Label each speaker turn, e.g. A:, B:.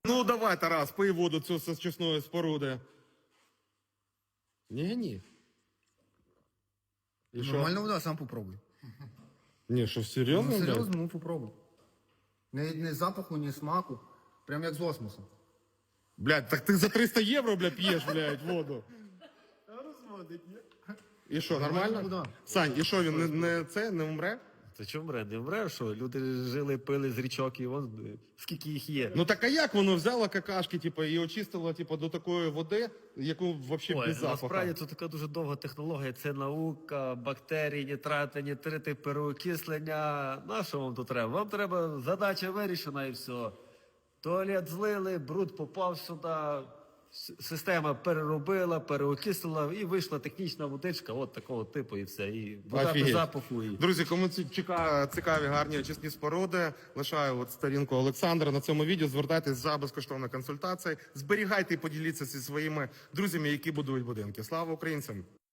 A: Ну давай, Тарас, пий воду цю з очисної споруди. Ні. І що?
B: Нормально вода, сам попробуй.
A: Ні, що, серйозно?
B: Ну,
A: блядь?
B: серйозно, ну попробуй. Не запаху, ні смаку. Прям як з осмосом.
A: Блядь, так ти за 300 євро, блядь, п'єш, блядь, воду. І що, нормально?
B: вода.
A: Сань, і що, він не умре?
C: Та чому мре? Не мре, що? Люди жили, пили з річок, і вон скільки їх є.
A: Ну так а як воно взяло какашки, типу, і очистило, типу, до такої води, яку взагалі
C: Ой,
A: без запаху?
C: насправді це така дуже довга технологія. Це наука, бактерії, нітрати, нітрити, переокислення. На що вам тут треба? Вам треба задача вирішена і все. Туалет злили, бруд попав сюди, система переробила, переокислила і вийшла технічна водичка от такого типу і все. І вода без
A: Офігеть.
C: запаху. І...
A: Друзі, кому цікаві гарні очисні споруди, лишаю от сторінку Олександра на цьому відео. Звертайтесь за безкоштовною консультацією. Зберігайте і поділіться зі своїми друзями, які будують будинки. Слава українцям!